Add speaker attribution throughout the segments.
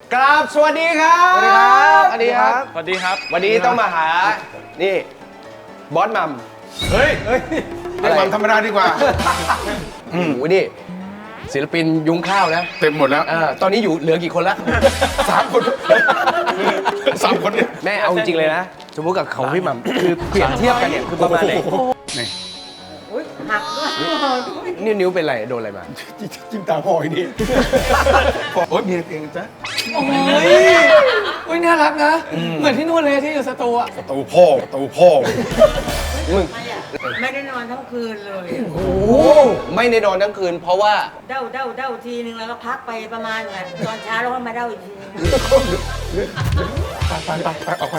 Speaker 1: กราบสวัสดีครับ
Speaker 2: สวัสดีครับสวัสดีครับ
Speaker 3: สวัสดีครับ
Speaker 1: วันนี้ต้องมาหา นี่ บอสมัม
Speaker 2: เฮ้ยเรียกมัมธรรมดาดีกว่า
Speaker 1: โอ้โหนี่ ศิลปินยุ้งข้าวนะ
Speaker 2: เต็มหมดแล้ว
Speaker 1: ตอนนี้อยู่เหลือกี่คนละ
Speaker 2: 3 คน3 คนเนี่ย
Speaker 1: แม่เอาจริงเลยนะสมมติกับเขาพี่มัมคือเปรียบเทียบกันเนี่ยคือประมาณไหน
Speaker 2: นี่
Speaker 4: อุ้ยหักด้วย
Speaker 1: นิ้วเป็นไรโดนอะไรมา
Speaker 2: จิ้มตาพ่ออีกนี่โอ๊ยเมียเองจ้ะ
Speaker 5: โอ้ยน่ารักนะ เหมือนที่นู่นเลยที่อยู่สตูอะ
Speaker 2: ประตูพ่อ
Speaker 1: มึง
Speaker 4: ไม่ได้นอนทั้งคืนเลย
Speaker 1: โอ้โหไม่ได้นอนทั้งคืน เพราะว่า
Speaker 4: เด้าทีนึงแล้วก็พักไปประมาณแบบตอนเช้าแล้วก็มาเด้าอีกทีนึง
Speaker 2: ไปออกไป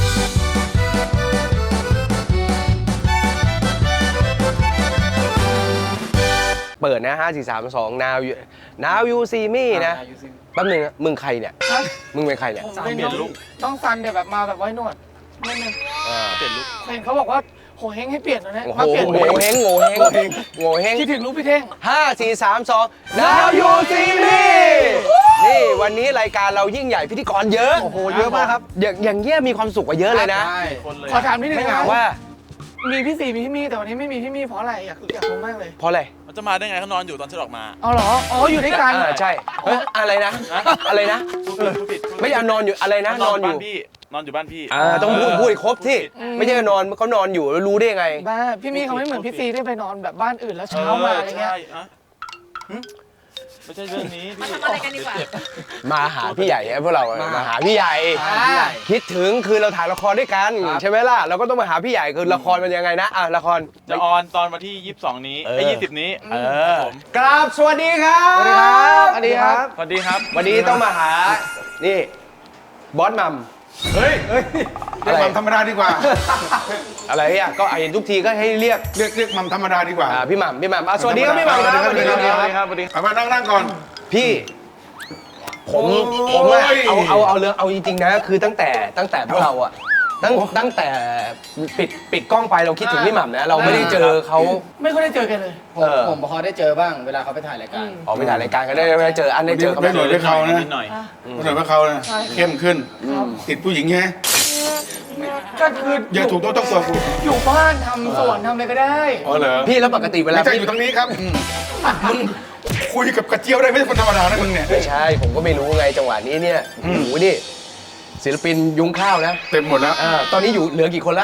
Speaker 1: เปิดนะ 5 4 3 2 now you see me นะแป๊บนึงนะมึงใครเนี่ย มึงเป็นใครเนี่ย
Speaker 5: ผมเป็นน้องต้องซันเดี๋ยวแบบมาแบบไว้หนวดนิดนึง
Speaker 3: เปลี่ยนลุก
Speaker 5: เห็นเขาบอกว่าโหเฮงให้เปลี่ยนนะเนี่ย
Speaker 1: โอ้โห
Speaker 5: มาเปลี่ยน
Speaker 1: โง่เฮงโง่เฮงโง่เฮง
Speaker 5: คิดถึงลูกพี่เท่ง
Speaker 1: 5 4 3 2 now you see me นี่วันนี้รายการเรายิ่งใหญ่พิธีกรเยอะ
Speaker 2: โอ้โหเยอะมากครับ
Speaker 1: อย่างเงี้ยมีความสุขกว่าเยอะเลยนะ
Speaker 3: คนเลย
Speaker 5: ขอถามนิดนึง
Speaker 1: ไม่
Speaker 5: นะ
Speaker 1: ถามว่า
Speaker 5: มีพี่สี่มีพี่มี่แต่วันนี้ไม่มีพี่มี่เพราะอะไรอยากรู้มากเลย
Speaker 1: เพราะอะไร
Speaker 3: มันจะมาได้ไงเขานอนอยู่ตอนฉันออกมา
Speaker 5: อ๋อเหรออ๋ออยู่ด้วยกัน
Speaker 1: ใช่เฮ้ยอะไรนะ อะไรนะ
Speaker 3: พูดผิด
Speaker 1: ไม่อยากนอนอยู่อะไรนะ นอนอยู่
Speaker 3: บ้านพี่ นอนอยู่บ้านพี่
Speaker 1: ต้องพูดให้ครบที่ไม่ใช่นอนเขานอนอยู่แล้วรู้ได้ยังไง
Speaker 5: บ้าพี่มี่เขาไม่เหมือนพี่ซีที่ไปนอนแบบบ้านอื่นแล้วเช้ามาอะไรเงี้ย
Speaker 3: ใช่อะไม่ใช่เรื่องนี้พี่
Speaker 4: ทำอะไรกันดีกว่า
Speaker 1: มาหาพี่ใหญ่ไงพวกเรามาหาพี่ใหญ่ คิดถึงคือเราถ่ายละครด้วยกันใช่ไหมล่ะเราก็ต้องมาหาพี่ใหญ่คือละครมันยังไงนะละคร
Speaker 3: จะออนตอนวันที่ 22 นี้ไอ้20 นี้ครับผม
Speaker 1: กราบสวัสดีครับ
Speaker 2: สวัสดีครับ
Speaker 5: สวัสดีครับ
Speaker 3: สวัสดีครับ
Speaker 1: วันนี้ต้องมาหานี่บอสมัม
Speaker 2: เฮ้ยเรียกมัมธรรมดาดีกว่า
Speaker 1: อะไรอ่ะก็เห็นทุกทีก็ให้เรียก
Speaker 2: เรียกมัมธรรมดาดีกว่า
Speaker 1: พี่หม่ำสวัสดีครับพี่หม่ำครับ
Speaker 2: สวัสดีครับ
Speaker 3: สวัสดีครับสวัสดีครับ
Speaker 2: เอามานั่งก่อน
Speaker 1: พี่ผมอะเอาเรื่องเอาจริงๆนะคือตั้งแต่พวกเราอะตั้งแต่ปิดกล้องไปเราคิดถึงพี่หม่ำนะเราไม่ได้เจอเขา
Speaker 5: ไม่ค่อยได้เจอกันเลย
Speaker 6: ผมพอได้เจอบ้างเวลาเขาไปถ่ายรายการ
Speaker 1: ออกไปถ่ายรายการกันได้เจออันได้เจอเขา
Speaker 2: ไม่หน่อยด้วยเขานะ
Speaker 3: นิดหน่อย
Speaker 2: ไม่หน่อยว่าเขานะเข้มขึ้น ติดผู้หญิงใช่ไหม
Speaker 5: ก็คือ
Speaker 2: อย่าถูกต้องตัวกู
Speaker 5: อยู่บ้านทำสวนทำอะไรก็ได้
Speaker 2: อ๋อเหรอ
Speaker 1: พี่แล้วปกติเวลา
Speaker 2: ไม่ใช่
Speaker 1: พี่
Speaker 2: อยู่ตรงนี้ครับมึงคุยกับกระเจียวได้ไม่ใช่คนธรรมดานะมึงเนี่ย
Speaker 1: ไม่ใช่ผมก็ไม่รู้ไงจังหวะนี้เนี่ยโอ้โหนี่ศิลปินยุ้งข้าวนะ
Speaker 2: เต็มหมดแล้ว
Speaker 1: ตอนนี้อยู่เหลือกี่คนละ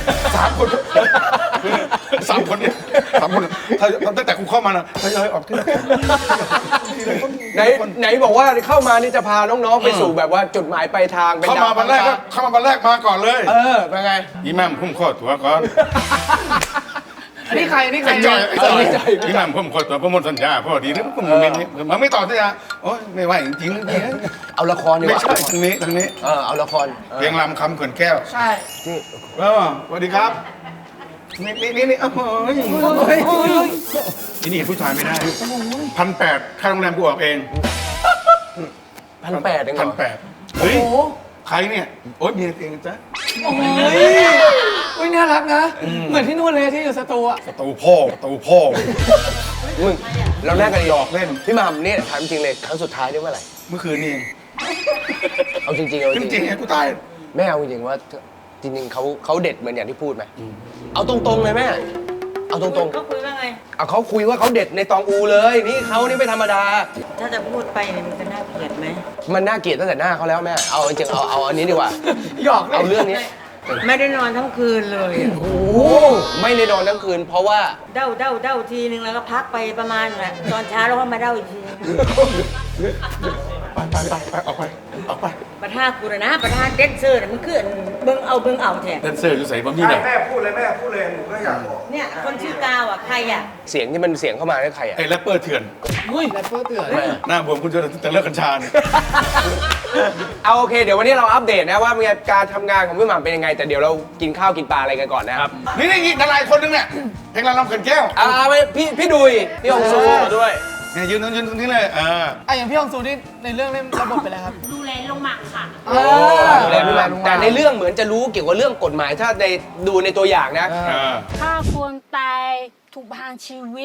Speaker 2: 3 คน3 คนเนี่ย3 คนถ้าตั้งแต่กูเข้ามานะทยอยออกทีละคน
Speaker 1: ไหนบอกว่าเข้ามานี่จะพาน้องๆไปสู่แบบว่าจุดหมายปลายทางเป็น
Speaker 2: เข้ามาวันแรกก็เข้ามาวันแรกมาก่อนเลย
Speaker 1: เป็นไง
Speaker 2: อีแม่มพุ่มข้อตัวก่อน
Speaker 5: นี่ใครนี่ใคร
Speaker 2: ไอ้จอยอีแม่มพุ่มข้อตัวประมวลสัญญาพอดีนะผมมันไม่ต่อสัญญาโอ้ยไม่ไหวจริงๆ
Speaker 1: เอาละครดีก
Speaker 2: ไม่
Speaker 1: ว่า
Speaker 2: ใช่ทางนี้
Speaker 1: เอาละคร
Speaker 2: เพลงลำคำเขื่อนแก้ว
Speaker 5: ใช่
Speaker 1: นี่
Speaker 2: สวัสดีครับนี่โอ้ยนี่ผู้ชายไม่ได้1,800ค่าโรงแรมกูออกเอง
Speaker 1: 1,800เองเหรอ
Speaker 2: 1,800เฮ้ยใครเนี่ยโอ๊ยเมียเองจ้ะ
Speaker 5: โอ้ยน่ารักนะ เหมือนที่นู่นเลยที่อยู่สตูอะ
Speaker 2: ประตูพ่อ
Speaker 1: มึงเราแลกกันดี
Speaker 2: หยอกเล่น
Speaker 1: พี่หม่ำนี่ถามจริงเลยครั้งสุดท้ายนี่เมื่อไหร่
Speaker 2: เมื่อคืนนี่เอง
Speaker 1: เอาจริงๆเอา
Speaker 2: จ
Speaker 1: จ
Speaker 2: ริ
Speaker 1: ริ
Speaker 2: ง
Speaker 1: ง
Speaker 2: ๆไงกูตาย
Speaker 1: ๆแม่เอาจริงๆว่าจริงๆเขาเด็ดเหมือนอย่างที่พูดไหมเอาตรงๆเลยแม่เอาตรง
Speaker 4: เขาคุยว่าไง
Speaker 1: ๆเอาเขาคุยว่าเขาเด็ดในตองอูเลยนี่เขานี่ไม่ธรรมดา
Speaker 4: ถ้าจะพูดไปเนี่ยมันจะน่าเกลียดไหม
Speaker 1: มันน่าเกลียดตั้งแต่หน้าเขาแล้วแม่เอาจริงๆเอาอันนี้ดีกว่า
Speaker 5: หยอกเลย
Speaker 1: เอาเรื่องนี้
Speaker 4: ไม่ได้นอนทั้งคืนเลย
Speaker 1: โอ้โหไม่ได้นอนทั้งคืน เพราะว่า
Speaker 4: เด้าทีนึงแล้วก็พักไปประมาณแบบตอนเช้าแล้วก็มาเด้าอีกทีนึง
Speaker 2: ไปออกไป
Speaker 4: ประธานกูนะประธานเด็ดเซอร์น่ะมันคืออันเบิ่งเอาแท้
Speaker 2: เดนเซอร์อยู่ใส่บอมบี้ไหน
Speaker 6: แม่พูดเลยหนูก็อยากบอก
Speaker 4: เนี่ยคนชื่อกาวอ่ะใครอ่ะ
Speaker 1: เสียงที่มันเสียงเข้ามานี่ใครอ่ะ
Speaker 2: ไอ้แรปเปอร์เถื่อน
Speaker 5: อุ้ยแรปเปอร์เตือน
Speaker 2: หน้าบวมคุณจะเลิกกัญชาเนี่ย
Speaker 1: เอาโอเคเดี๋ยววันนี้เราอัปเดตนะว่าการทำงานของพี่หม่ำเป็นยังไง แต่เดี๋ยวเรากินข้าวกินปลาอะไรกันก่อนนะครับ
Speaker 2: นี่ดาราอีกคนนึงเนี่ยเพลงลำเขื่อนแก้ว
Speaker 1: ไปพี่ดุยพี่องซูมาด้วย
Speaker 2: เนี่ยยืนตรงนี้เลย
Speaker 5: อย่างพี่ฮองซูนี่ในเรื่องเล่นระบบไปแล้วครับ
Speaker 7: ดูแลลงหมักค่ะ
Speaker 1: แต่ในเรื่องเหมือนจะรู้เกี่ยวกับเรื่องกฎหมายถ้าดูในตัวอย่างนะ
Speaker 7: ฆ่าคนตายถูกประหารชีวิต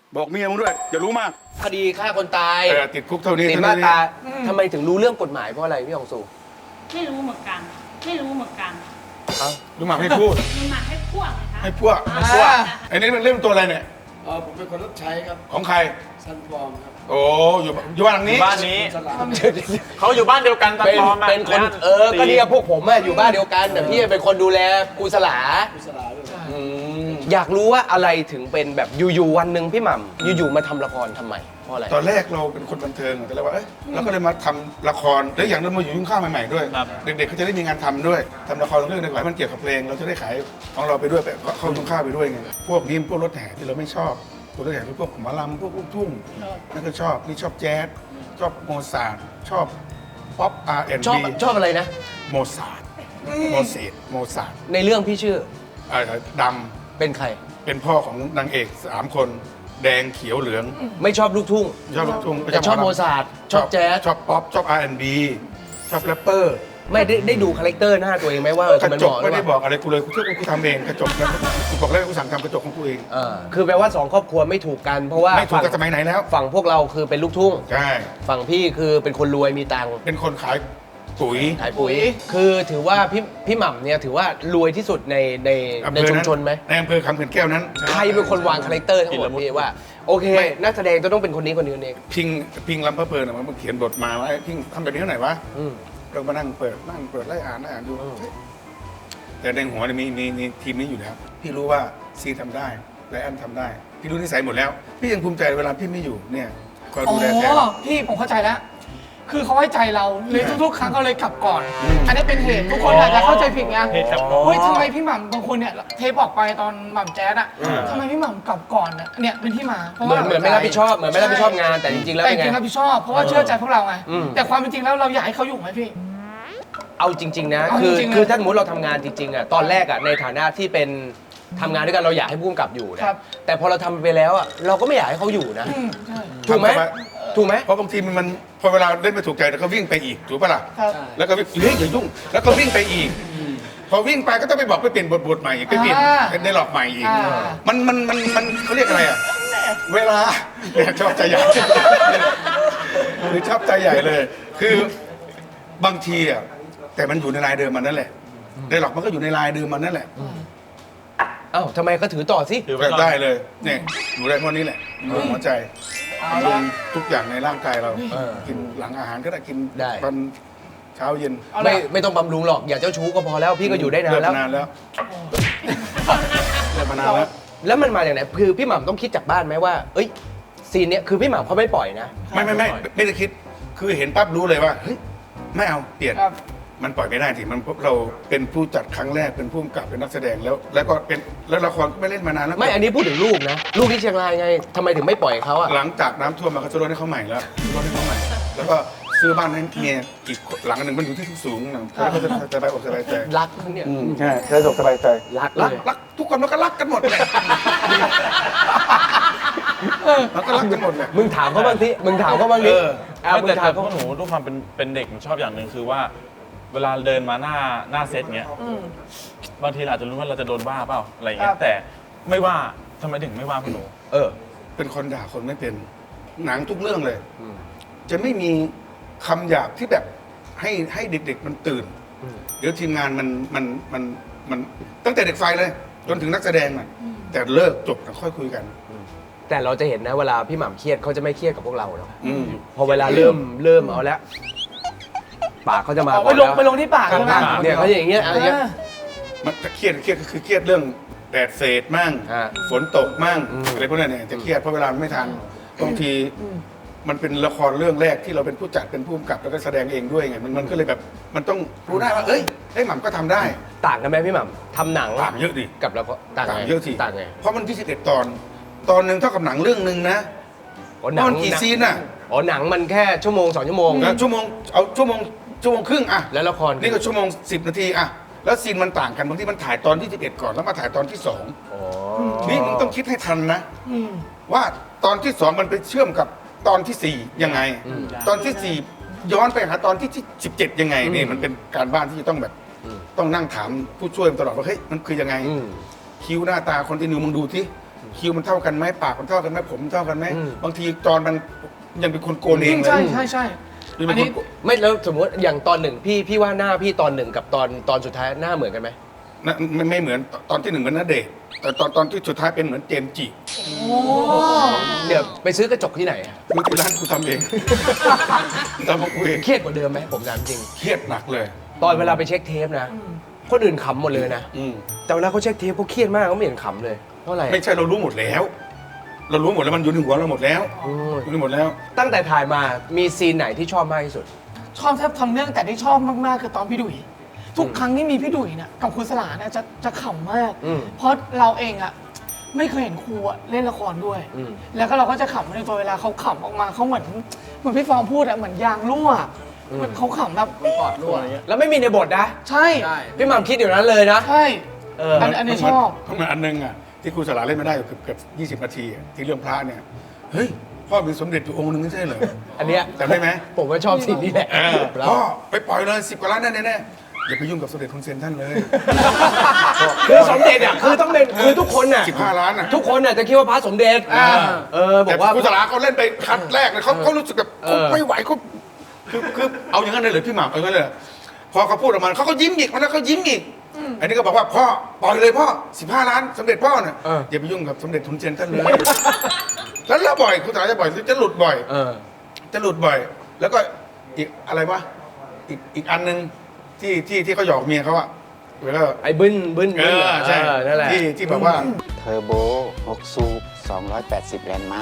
Speaker 2: บอกเมียมึงด้วยอย่ารู้มาก
Speaker 1: คดีฆ่าคนตาย
Speaker 2: ติดคุกเท่านี้
Speaker 1: ติด
Speaker 2: เท่า
Speaker 1: มา
Speaker 2: นี้
Speaker 1: ตราทำไมถึงรู้เรื่องกฎหมายเพราะอะไรพี่องสู
Speaker 7: ไม่รู้เหมือนกัน ไม่รู้เหมือนกัน
Speaker 2: รู้มากให้พูด
Speaker 7: มันมาให้พวกนะคะ
Speaker 2: ให้พวกไอ้นี่มันเล่นตัวอะไรเนี่ย
Speaker 6: ผมเป็นคนรับใช้ครับ
Speaker 2: ของใคร
Speaker 6: ซันฟอร์มครับ
Speaker 2: โอ้อยู่บ้านหลังนี้
Speaker 3: บ้านนี้ เขาอยู่บ้านเดียวกันตา
Speaker 1: เป็น
Speaker 3: ปลอมอะ
Speaker 1: เป็นคน
Speaker 3: แล้ว
Speaker 1: ก็เนี่ยพวกผมอะอยู่บ้านเดียวกันแต่พี่เป็นคนดูแลครูสลา
Speaker 6: กุศลาด้วย
Speaker 1: อยากรู้ว่าอะไรถึงเป็นแบบอยู่ๆวันหนึ่งพี่หม่ำอยู่ๆมาทำละครทำไมเพราะอะไร
Speaker 2: ตอนแรกเราเป็นคนบันเทิงแต่เราว่าเราก็เลยมาทำละครและอย่างเรามาอยู่ยุ่งข้าวใหม่ๆด้วย เด็กๆเขาจะได้มีงานทำด้วยทำละครเรื่องหนึ่งมันเกี่ยวกับเพลงเราจะได้ขายของเราไปด้วยไปเข้ายุ่งข้าวไปด้วยไงพวกนี้พวกรถแห่ที่เราไม่ชอบพวกรถแห่พวกหมอลำพวกลูกทุ่งนั่นก็ชอบนี่ชอบแจ๊สชอบโมซาร์ทชอบป๊อป R&B
Speaker 1: ชอบอะไรนะ
Speaker 2: โมซาร์ทโมซาร์ท
Speaker 1: ในเรื่องพี่ชื่อ
Speaker 2: ด
Speaker 1: เป็นใคร
Speaker 2: ำเป็นพ่อของนางเอก3 คนแดงเขียวเหลือง
Speaker 1: ไม่ชอบลูกทุ่ง
Speaker 2: ชอบลูกทุ่ง
Speaker 1: แต่ชอบโมซาร์ทชอบแจ๊ส
Speaker 2: ชอบป๊อปชอบ R&B ชอบแรปเปอร์
Speaker 1: ไม่ได้ดูคาแรคเตอร์หน้าตัวเองไหมว่าก
Speaker 2: ระ
Speaker 1: มัน
Speaker 2: จ
Speaker 1: เห
Speaker 2: ก
Speaker 1: มาะหรื
Speaker 2: ไม่
Speaker 1: อ
Speaker 2: ได้
Speaker 1: เป
Speaker 2: บ
Speaker 1: ล่า
Speaker 2: อกอะไรกูเลยกูทำเองกระจกนะกูบอกแล้วกูสั่งทำกระจกของกูเอง
Speaker 1: คือแปลว่าสองครอบครัวไม่ถูกกันเพราะว่า
Speaker 2: ไม่ถูกกันสมัยไหนแล้ว
Speaker 1: ฝั่งพวกเราคือเป็นลูกทุ่ง
Speaker 2: ใช่
Speaker 1: ฝั่งพี่คือเป็นคนรวยมีตังค์
Speaker 2: เป็นคนขายปุ๋ย
Speaker 1: ขายปุ๋ย คือถือว่าพี่หม่ำเนี่ยถือว่ารวยที่สุดในชุมชนไหม
Speaker 2: ในอำเภอคำเขื่อนแก้วนั้น
Speaker 1: ใครเป็นคนวางคาแรคเตอร์ทั้งหมดพี่ว่าโอเค นักแสดงจะต้องเป็นคนนี้คนนี้คนนี้
Speaker 2: พิงลำพะเพลินมันเขียนบทมาว่าพิงทำแบบนี้เท่าไหร่วะ
Speaker 1: อืม
Speaker 2: เรามานั่งเปิดไล่อ่านดูแต่ในหัวเนี่ยมีทีมนี้อยู่แล้วพี่รู้ว่าซีทำได้ไลอ้อนทำได้พี่รู้นิสัยหมดแล้ว พี่ยังภูมิใจเวลาพี่ไม่อยู่เนี่ยคอย
Speaker 5: อ๋
Speaker 2: ดูแลแทน
Speaker 5: อพี่ผมเข้าใจแล้ว คือเขาไว้ใจเราเลยทุกๆครั้งเขาเลยกลับก่อน อันนี้เป็นเหตุทุกคนอาจจะเข้าใจผิดไง
Speaker 3: เหตุกับน้อง
Speaker 5: เฮ้ยทำไมพี่หม่ำบางคนเนี่ยเทปออกไปตอนหม่ำแจ๊ดอะทำไมพี่หม่ำกลับก่อนเนี่ยเป็นที่มาเพราะ
Speaker 1: เหมื
Speaker 5: ว่า
Speaker 1: อนไม่รับผิดชอบเหมือนไม่รับผิดชอบงานแต่จริงๆแล้ว
Speaker 5: แต่
Speaker 1: เป็น
Speaker 5: จริงๆ
Speaker 1: ไง
Speaker 5: รับผิดชอบเพราะว่าเชื่อใจพวกเราไง
Speaker 1: อืม
Speaker 5: แต่ความเป็นจริงแล้วเราอยากให้เขาอยู่ไหมพี่
Speaker 1: เอาจริง ๆ นะ
Speaker 5: เอา
Speaker 1: คือ
Speaker 5: จริงๆนะ
Speaker 1: คือถ้าสมมติเราทำงานจริงๆอ่ะตอนแรกอ่ะในฐานะที่เป็นทำงานด้วยกันเราอยากให้ผู้กำกับอยู่นะครับ แต่พอเราทำไปแล้วอ่ะเราก็ไม่อยากให้เขาอยู่นะ
Speaker 5: ใช่
Speaker 1: ถูกไหม
Speaker 2: ทำไป
Speaker 1: ถูกไหม
Speaker 2: เพราะบางทีมันพอเวลาเล่นไม่ถูกใจแล้วก็วิ่งไปอีกถูกปะล่ะ
Speaker 5: ครับ
Speaker 2: แล้วก็วิ่งเฮ้ยอย่ายุ่งแล้วก็วิ่งไปอีก พอวิ่งไปก็ต้องไปบอกไปเปลี่ยนบทใหม่อีกไปเปลี่ยน
Speaker 5: อ่า
Speaker 2: เป็นในหลอกใหม่อีก
Speaker 5: อ่า
Speaker 2: มันเขาเรียกอะไรอ่ะเวลาเนี่ยชอบใจใหญ่คือชอบใจใหญ่เลย คือบางทีอ่ะแต่มันอยู่ในลายเดิมมันนั่นแหละในหลอกมันก็อยู่ในลายเดิมมันนั่นแหละ
Speaker 1: เอ้าทำไมก็ถือต่อสิ
Speaker 3: ถือไว้ก่อน
Speaker 2: ได้เลยเนี่ยอยู่ได้เพราะนี้แหละอยู่หัวใจลงทุกอย่างในร่างกายเรากินหลังอาหารก็ได้กินตอนเช้าเย็น
Speaker 5: เอาละ
Speaker 1: ไม่ต้องบำรุงหรอกอย่าเจ้าชู้ก็พอแล้วพี่ก็อยู่ได้นาน
Speaker 2: เลิก
Speaker 1: แล้ว
Speaker 2: มานานแล้วเลิกมานานแล้ว
Speaker 1: แล้วมันมาอย่างไหนคือพี่หม่ำต้องคิดจากบ้านไหมว่า เอ้ยซีนเนี้ยคือพี่หม่ำเขาไม่ปล่อยนะ
Speaker 2: ไม่ได้คิด คือเห็นปั๊บรู้เลยว่าเฮ้ยไม่เอาเปลี่ยน
Speaker 5: ครับ
Speaker 2: มันปล่อยไม่ได้สิมันเราเป็นผู้จัดครั้งแรกเป็นผู้กำกับเป็นนักแสดงแล้วก็เป็นแล้วละครก็ไม่เล่นมานานแล้ว
Speaker 1: ไม่อันนี้พูดถึงลูกนะ ลูกที่เชียงรายไงทำไมถึงไม่ปล่อยเขาอ่ะ
Speaker 2: หลังจากน้ำท่วมมาก็จะรถให้เขาใหม่แล้วรถให้เขาใหม่ แล้วก็ซื้อบ้านให้เมียอีกหลังหนึ่งมันอยู่ที่สูงนะแล้วก็จะสบายอกสบายใจ
Speaker 1: รักเขาเนี่ย
Speaker 2: ใช่สบายอกสบายใจ
Speaker 1: รักเลย
Speaker 2: รักทุกคนมันก็รักกันหมดแหละมันก็รักกันหมดแหละ
Speaker 1: มึงถามเขาบ้างสิมึงถามเขาบ้างดิมึง
Speaker 3: แต่
Speaker 1: ถาม
Speaker 3: พวกหนูด้วยความเป็นเด็กมันชอบอย่างหนึ่งคือว่า เวลาเดินมาหน้าเซตเงี้ยบางทีเราอาจจะรู้ว่าเราจะโดนว่าเปล่าอะไรเงี้
Speaker 5: ครั
Speaker 3: ย
Speaker 5: บ
Speaker 3: แต่ไม่ว่าทำไมถึงไม่ว่าพวกหนู
Speaker 2: เป็นคนด่าคนไม่เป็นหนังทุกเรื่องเลย จะไม่มีคำหยาบที่แบบให้เด็กๆมันตื่น เดี๋ยวทีมงานมันตั้งแต่เด็กไฟเลย จนถึงนักแสดงน่ะแต่เลิกจบแล้วค่อยคุยกัน
Speaker 1: แต่เราจะเห็นนะเวลาพี่หม่ำเครียดเขาจะไม่เครียดกับพวกเราหรอก
Speaker 2: อืม
Speaker 1: พอเวลาเริ่มเอาแล้วปากเขาจะมา
Speaker 5: เอา
Speaker 1: ก่อน
Speaker 5: ไปลง
Speaker 1: แล้ว
Speaker 5: ที่ปากใช่ไหม
Speaker 1: เนี่ยเขาจะอย่างเงี้ยอะไรเงี้ย
Speaker 2: มันจะเครียดก็คือเครียดเรื่องแดดเศษมั่ง
Speaker 1: อ่า
Speaker 2: ฝนตกมั่ง
Speaker 1: อืม
Speaker 2: อะไรพวกนั้นเนี่ยจะเครียดเพราะเวลามันไม่ทันบางทีมันเป็นละครเรื่องแรกที่เราเป็นผู้จัดเป็นผู้กำกับแล้วก็แสดงเองด้วยไงมันก็เลยแบบมันต้องรู้ได้ว่าเอ้ยไอ้หม่ำก็ทำได้
Speaker 1: ต่างกันไหมพี่หม่ำทำหนัง
Speaker 2: ต่างเยอะดิ
Speaker 1: กับเราก็ต่างไง
Speaker 2: เยอะสิ
Speaker 1: ต่างไง
Speaker 2: เพราะมัน21 ตอนหนึ่งเท่ากับหนังเรื่องหนึ่งนะ
Speaker 1: อ๋อ
Speaker 2: มันกี่ซีนอ่ะ
Speaker 1: อ๋อหนังมันแค่ชั่วโมง2 ชั่วโมง
Speaker 2: แล้วชั่วโมงครึ่งอ่ะ
Speaker 1: แล้วละคร
Speaker 2: นี่ก็ชั่วโมง10 นาทีอ่ะแล้วซีนมันต่างกันบางทีมันถ่ายตอนที่11ก่อนแล้วมาถ่ายตอนที่2
Speaker 1: อ๋อ
Speaker 2: นี่มึงต้องคิดให้ทันนะ ว่าตอนที่ 2 มันไปเชื่อมกับตอนที่ 4 ยังไง ตอนที่ 4 ย้อนไปหาตอนที่17 ยังไงนี่มันเป็นการบ้านที่จะต้องแบบต้องนั่งถามผู้ช่วยตลอดว่าเฮ้ยมันคือยังไง คิ้วหน้าตาคนที่นิวมึงดูที่คิ้วมันเท่ากันไหมปากมันเท่ากันไหมผมเท่ากันไหม
Speaker 1: อืม
Speaker 2: บางทีจอนมันยังเป็นคนโกนเองเลย
Speaker 5: ใช่ใช่ใช่
Speaker 2: ยัง
Speaker 5: อั
Speaker 2: เป็น น
Speaker 5: นี้
Speaker 2: คนโกน
Speaker 1: ไม่แล้วสมมติอย่างตอนหนึ่งพี่ว่าหน้าพี่ตอนหนึ่งกับตอนสุดท้ายหน้าเหมือนกันไหม
Speaker 2: นะไม่เหมือนตอนที่หนึ่งเหมือนณเดชน์แต่ตอนที่สุดท้ายเป็นเหมือนเจมส์จิ
Speaker 5: โอ้
Speaker 1: เดี๋ยวไปซื้อกระจกที่ไหนอะ
Speaker 2: มึงที่ร้านกูทำเองทำของกูเอง
Speaker 1: เครียดกว่าเดิมไหมผมถามจริง
Speaker 2: เครียดหนักเลย
Speaker 1: ตอนเวลาไปเช็คเทปนะ คนอื่นขำหมดเลยนะ
Speaker 2: อืม
Speaker 1: แต่เวลาเขาเช็คเทปเขาเครียดมากเขาไม่เห็นขำเลยเพราะอะไร
Speaker 2: ไม่ใช่เรารู้หมดแล้ว เรารู้หมดแล้วมันอยู่ในหัวเราหมดแล้ว
Speaker 1: อืม
Speaker 2: อยู่ในหมดแล้ว
Speaker 1: ตั้งแต่ถ่ายมามีซีนไหนที่ชอบมากที่สุด
Speaker 5: ชอบแทบทั้งเรื่องแต่ที่ชอบมากๆคือตอนพี่ดุยทุกครั้งที่มีพี่ดุยเนี่ยกับครูสลาเนี่ยจะขำมาก
Speaker 1: อืม
Speaker 5: เพราะเราเองอะไม่เคยเห็นครูอะเล่นละครด้วย
Speaker 1: อืม
Speaker 5: แล้วก็เราก็จะขำในตัวเวลาเขาขำออกมาเขาเหมือนพี่ฟองพูดอะเหมือนยางรั่วเหมือนเขาขำแบบ
Speaker 6: ปอดรั่วอะไรเงี้ย
Speaker 1: แล้วไม่มีในบทนะ
Speaker 5: ใช่
Speaker 6: ใช่
Speaker 1: พี่หม่ำคิดอยู่นั้นเลยนะ
Speaker 5: ใช่
Speaker 1: เออ
Speaker 5: อันนี้ชอบ
Speaker 2: เพราะมันอันนึงอ่ะที่ครูสลาเล่นไม่ได้เกือบ20 นาทีอะที่เรื่องพระเนี่ยเฮ้ยพ่อมีสมเด็จอยู่องค์หนึงไม่ใช่เหรอ
Speaker 1: อันเนี้ย
Speaker 2: จำได้ไหม
Speaker 1: ผมก็ชอบซีนนี้แหละแล้ว
Speaker 2: พ่อไปปล่อยเลย10 กว่าล้านแน่ๆอย่าไปยุ่งกับสมเด็จทุนเซนท่านเลย
Speaker 1: คือสมเด็จอ่ะคือต้องเป็นคือทุกคนอ่ะ
Speaker 2: 15 ล้านอ่ะ
Speaker 1: ทุกคนอ่ะจะคิดว่าพระสมเด็จบ
Speaker 2: แต่
Speaker 1: อกว่า
Speaker 2: ครูสลาเขาเล่นไปคัดแรกเลยเขารู้สึกแบบ
Speaker 1: เออ
Speaker 2: เขาไม่ไหวเขาคือเอาอย่างนั้นเลยเหรอพี่หม่ำเอาอย่างนั้นเลยเหรอพอเขาพูดออกมาเขาก็ยิ้มอีกมันแล้วเขายิ้มอีกอันนี้ก็บอกว่าพ่อปล่อยเลยพ่อ15 ล้านสมเด็จพ่อเนี่ยอย่าไปยุ่งกับสมเด็จทุนเซนท่านเลยแล้วเราบ่อยครูสลาจะบ่อยจะหลุดบ่อย จะหลุดบ่อย แล้วก็อีกอะไรวะอีกอันนึงที่เขาหยอกเมียเขาอะแล้วก็
Speaker 1: ไอ้บึ้น
Speaker 2: ใช่
Speaker 1: นั่นแหละ
Speaker 2: ที่แบบว่า
Speaker 8: เทอร์โบ 6 สูบ 280 แรงม้า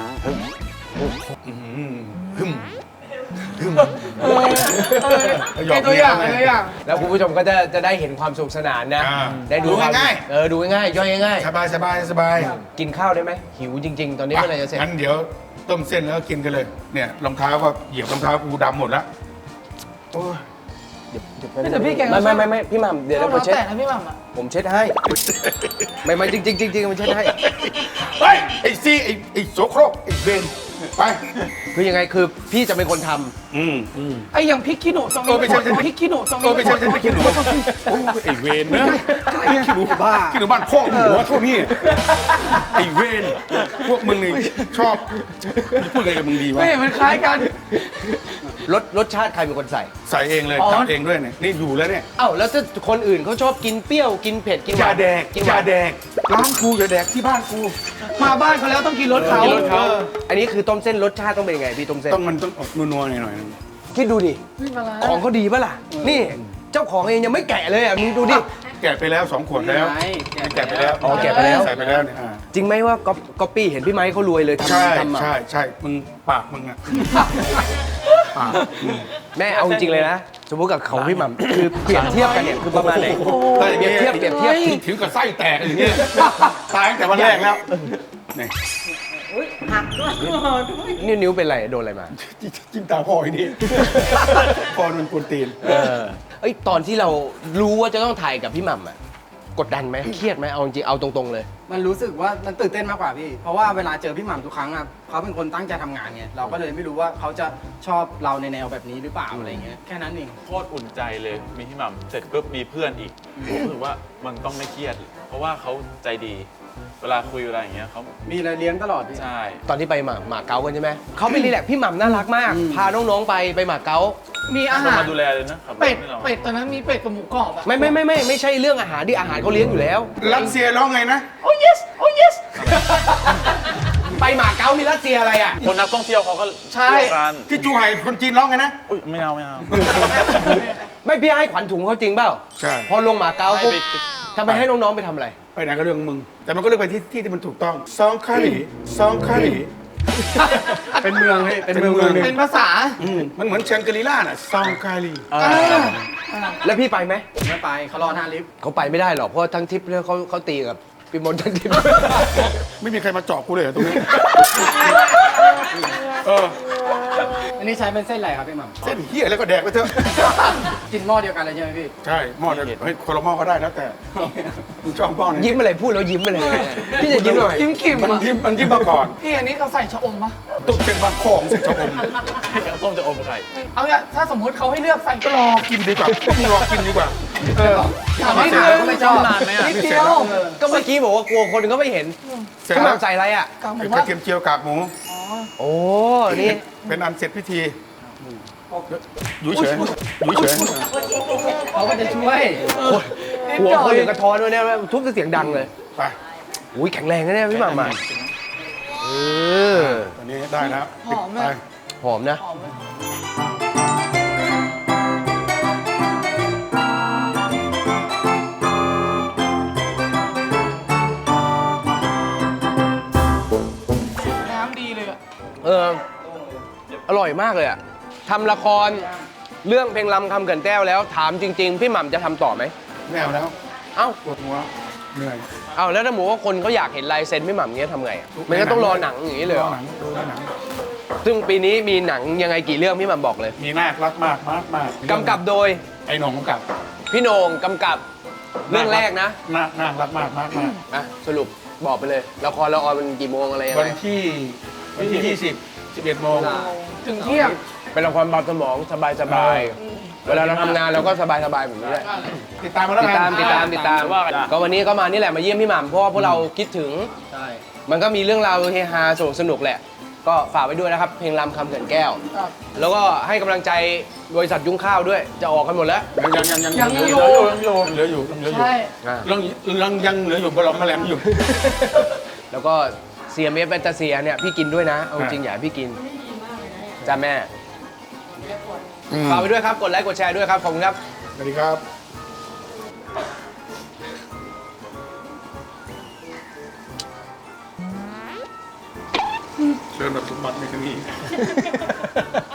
Speaker 2: หยอก
Speaker 5: ตัว
Speaker 2: เมี
Speaker 5: อย่าง
Speaker 2: ไง
Speaker 5: ตัวอย่าง
Speaker 1: แล้วคุณผู้ชมก็จะได้เห็นความสนุกสนานนะ
Speaker 2: อ่า
Speaker 1: ได้ดู
Speaker 2: ดูง่ายๆ
Speaker 1: ดูง่ายๆย่อยง่าย
Speaker 2: สบายสบายสบาย
Speaker 1: ๆกินข้าวได้ไหมหิวจริง ๆ ตอนนี้เมื่อไหรจะเสร็จ
Speaker 2: งั้นเดี๋ยวต้มเส้นแล้วก็กินกันเลย เนี่ยรองเท้าก็เหยียบรองเท้ากูดำหมดแล้วโอ้ย
Speaker 5: แต่พี่แกก็
Speaker 1: ไม่พี่หม่ำเดี๋ยว
Speaker 5: ชอบ
Speaker 1: เรา
Speaker 5: น้ำ
Speaker 1: เช็ด
Speaker 5: แต่นะพี่หม่ำอะ
Speaker 1: ผมเช็ดให้ ไม่จริงๆมันเช็ดให้
Speaker 2: เฮ้ยไอ้ซี่ไอ้โสโครกไอ้เบนไป
Speaker 1: คือยังไงคือพี่จะเป็นคนทำ
Speaker 5: ไอ้อย่างพริกขี้หนูตรงนี้
Speaker 2: ไม่ใช่
Speaker 5: พริกขี้หนูตรงนี้
Speaker 2: ไม่ใช่ขี้หนูโอ้ยไอ้เวนนะขี้หนูบ้าขี้หนูบ้านพ่อหัวเท่านี้ไอ้เวนพวกมึงนี่ชอบพูดอะไรกับมึงดีวะ
Speaker 5: ไม่เห็นมันคล้ายกัน
Speaker 1: รสชาติใครเป็นคนใส่
Speaker 2: ใส่เองเลย
Speaker 5: อ๋อ
Speaker 2: จับเองด้วยเนี่ยนี่อยู่แล้วเนี่ย
Speaker 1: เอ้าแล้วถ้าคนอื่นเขาชอบกินเปรี้ยวกินเผ็ดกินหวานกินหวาน
Speaker 2: ร้านกูอย่าแดกที่บ้านกู
Speaker 5: มาบ้านเขาแล้วต้องกินรถเขา
Speaker 1: กินรสเขาอันนี้คือต้มเส้นรสชาติต้องเป็นยังไงพี่ต้มเส้น
Speaker 2: มันต้องออกนัวๆหน่อยๆนึง
Speaker 1: คิดดูดิ
Speaker 5: ไม่มาละ
Speaker 1: ของเขาดีปะล่ะ นี่เจ้าของเองยังไม่แกะเลยอ่ะมึงดูดิ
Speaker 2: แกะไปแล้ว2 ขวดแล้วแกะไปแล้ว
Speaker 1: อ๋อแกะไปแล้ว
Speaker 2: ใส่ไปแล้วเนี่ย
Speaker 1: จริงไหมว่าก๊อปปี้เห็นพี่ไม้เขารวยเลย
Speaker 2: ใช่
Speaker 1: ทำมา
Speaker 2: ใช่มึงปากมึงอะปาก
Speaker 1: แม่เอาจริงๆเลยนะ สมมติกับเขาพี่หม่ำคือเปรียบเทียบกันเนี่ยคือประมาณไหนเปรียบเทียบ
Speaker 2: ถึงกับไส้แตกอย่างเงี้ยตายตั้งแต่วันแรกแล้วนี่
Speaker 4: อุ้ยหักด้วย
Speaker 1: นิ้วเป็นไรโดนอะไรมา
Speaker 2: จิ้มตาพ่ออีนี่พ่อมันกวนตีน
Speaker 1: เอ้ยตอนที่เรารู้ว่าจะต้องถ่ายกับพี่หม่ำอ่ะกดดันไหมเครียดไหมเอาจริงๆเอาตรงๆเลย
Speaker 6: มันรู้สึกว่ามันตื่นเต้นมากกว่าพี่ เพราะว่าเวลาเจอพี่หม่ำทุกครั้งอ่ะเขาเป็นคนตั้งใจทำงานไงเราก็เลยไม่รู้ว่าเขาจะชอบเราในแนวแบบนี้หรือเปล่าอะไรเงี้ยแค่นั้นเอง
Speaker 3: โคตรอุ่นใจเลย มีพี่หม่ำเสร็จปุ๊บมีเพื่อนอีกผมรู้สึกว่ามันต้องไม่เครียด เพราะว่าเขาใจดี เวลาคุยเวลาอย่างเงี้ยเขา
Speaker 6: มีอะไรเลี้ยงตลอดพี่
Speaker 3: ใช่
Speaker 1: ตอนที่ไปหมาเก๊ากันใช่ไหมเขาไปรีแลกซ์พี่หม่ำน่ารักมาก พาน้องๆไปหมาเก๊า
Speaker 5: มีอา
Speaker 3: ต้อง
Speaker 5: หาร
Speaker 3: มาดูแลเลยนะขับรถ
Speaker 5: เป็ด
Speaker 3: ให้เรา
Speaker 5: เป็ดตอนนั้นมีเป็ดกับหมูกรอบอะ
Speaker 1: ไม่ใช่เรื่องอาหารดิอาหารเขาเลี้ยงอยู่แล้ว
Speaker 2: รัสเซียร้องไงนะ
Speaker 5: โอ้ yes โอ้ yes
Speaker 1: ไปหมาเก๊ามีรัสเซียอะไรอ่ะ
Speaker 3: คนนักท่องเที่ยวเขาก็
Speaker 5: ใช่
Speaker 3: เที่ยวกัน
Speaker 2: ที่จูไห่คนจีนร้องไงนะ
Speaker 3: อุ้ยไม่เอา
Speaker 1: ไม่พี่ให้ขวัญถุงเขาจริงเปล่า
Speaker 2: ใช่
Speaker 1: พอลงหมาเก๊าปุ๊บ
Speaker 3: ให้ไป
Speaker 1: ทำไมให้น้องๆไปทำอะไร
Speaker 2: ไปไหนก็เรื่องมึง แต่มันก็เลือกไปที่มันถูกต้องซองคารีซองคารี
Speaker 6: เป็นเมืองพี่เป็นเมือง
Speaker 2: เป็นเมือง
Speaker 6: หนึ่ง
Speaker 5: เป็นภาษา
Speaker 2: มันเหมือนแชงกรีล่าน่ะซองคารี
Speaker 1: แล้วพี่ไปไหม
Speaker 6: ไม่ไปเขารอหน้าลิฟต์
Speaker 1: เขาไปไม่ได้หรอกเพราะว่าทั้งทริปแล้วเขาตีกับพี่มนต์ทั้งทริป
Speaker 2: ไม่มีใครมาเจาะกูเลยเหรอตรงนี้เออ
Speaker 6: อันนี้ใช้เป็นเส้นอะไรครับพี่หม่ำ
Speaker 2: เส้นเหี้ยแล้วก็แดกไปเถอะ
Speaker 6: กินหม้อเดียวกันเลยใช่ไหมพี่
Speaker 2: ใช่หม้อเดียวเฮ้ยคนละหม้อก็ได้แล้วแต่มึงชอบหม้อไหน
Speaker 1: ยิ้มอะไรพูดแล้วยิ้มอะไรพี่จะยิ้มหน่อย
Speaker 5: ยิ้มขิม
Speaker 2: มัน
Speaker 5: อะ
Speaker 2: ยิ้มมาก่อน
Speaker 5: พี่อันนี้เขาใส่ชะอมปะ
Speaker 2: ตุ๊กเป็นบางของสิชะอม
Speaker 3: ส้มจะอมไข่
Speaker 5: เอาเนี่ยถ้าสมมุติเขาให้เลือกใส่ก็รอ
Speaker 2: กินดีกว่าพวกมึงรอกินดีกว่า
Speaker 5: ถามนิด
Speaker 6: ถาม
Speaker 5: นึง
Speaker 6: ก็ไม่ชอบ
Speaker 5: นิดเดียว
Speaker 1: ก็เมื่อกี้บอกว่ากลัวคนก็ไม่เห็น
Speaker 2: เสร็จ
Speaker 1: พี่ห
Speaker 2: แล้ว
Speaker 1: ม่ำใส่อะไรอ่ะ
Speaker 5: กากหมู
Speaker 2: เป็นก
Speaker 5: ว่า
Speaker 2: ระเทียมเจียวกากหมู
Speaker 1: โอ้นี่
Speaker 2: เป็นอันเสร็จพิธีอยู่เฉยอยู่เฉย
Speaker 6: เขาก็จะช่วย
Speaker 1: หัวคนอยู่กระท้อนด้วยเนี่ยทุบเสียงดังเลย
Speaker 2: ไป
Speaker 1: อุ้ยแข็งแรงนะเนี่ยพี่หม่ำมาอ
Speaker 2: ตอนนี้ได้แล้ว
Speaker 5: หอมไหม
Speaker 2: ไป
Speaker 1: หอมนะ
Speaker 5: น้ำดีเลยอะ
Speaker 1: อร่อยมากเลยอะทำละครเรื่องเพลงลำคำเกินแก้วแล้วถามจริง ๆ พี่หม่ำจะทำต่อไหม
Speaker 2: ไม่เอาแล้ว
Speaker 1: เอ้า
Speaker 2: ปวดหัวเหนื่อย
Speaker 1: เอ้าแล้วถ้าหมูว่าคนเขาอยากเห็นลายเซ็นพี่หม่ำเงี้ยทำไงอะมันก็ต้องรอหนังอย่างนี้เลยเหรอ
Speaker 2: หนังดูหนัง
Speaker 1: ซึ่งปีนี้มีหนังยังไงกี่เรื่องพี่หม่ำบอกเลย
Speaker 2: มีนาครักมากมากมาก
Speaker 1: กำกับโดย
Speaker 2: ไอ้หนงกำกับ
Speaker 1: พี่โหน่งกำกับเรื่องแรกนะ
Speaker 2: นาครักมากมากมาก
Speaker 1: อ่ะสรุปบอกไปเลยละครละออนมันกี่โมงอะไรยัง
Speaker 2: วัน
Speaker 1: ไง
Speaker 2: ที่20 11 โมง
Speaker 5: ถึงเที่ยง
Speaker 1: เป็นละครเบาสมองสบายๆเวลาเราทำงานเราก็สบายแบบนี้แหละ
Speaker 2: ติดตามมาแล้ว
Speaker 1: ติด
Speaker 2: กั
Speaker 1: ตาม
Speaker 2: น
Speaker 1: ติดตามติดตามก็วันนี้ก็มานี่แหละมาเยี่ยมพี่หม่ำเพราะว่าพวกเราคิดถึง
Speaker 6: ใช่
Speaker 1: มันก็มีเรื่องราวเฮฮาสนุกแหละ ก็ฝากไว้ด้วยนะครับ เพลงลำคำเขื่อนแก้ว
Speaker 5: ครับ
Speaker 1: แล้วก็ให้กำลังใจบริษัทยุ้งข้าวด้วย จะออกกันหมดแล้ว
Speaker 2: ยังเหลืออยู่
Speaker 5: ใช่
Speaker 2: ยังเหลืออยู่บลอมแมลงอยู่
Speaker 1: แล้วก็ CMF แบนตาเซียเนี่ยพี่กินด้วยนะ เอาจริงอย่าให้พี่กินจ้าแม่ฝากไว้ด้วยครับ กดไลค์กดแชร์ด้วยครับ ขอบคุณครับ
Speaker 2: สวัสดีครับ เดินแบบสมบัติในครั้งนี้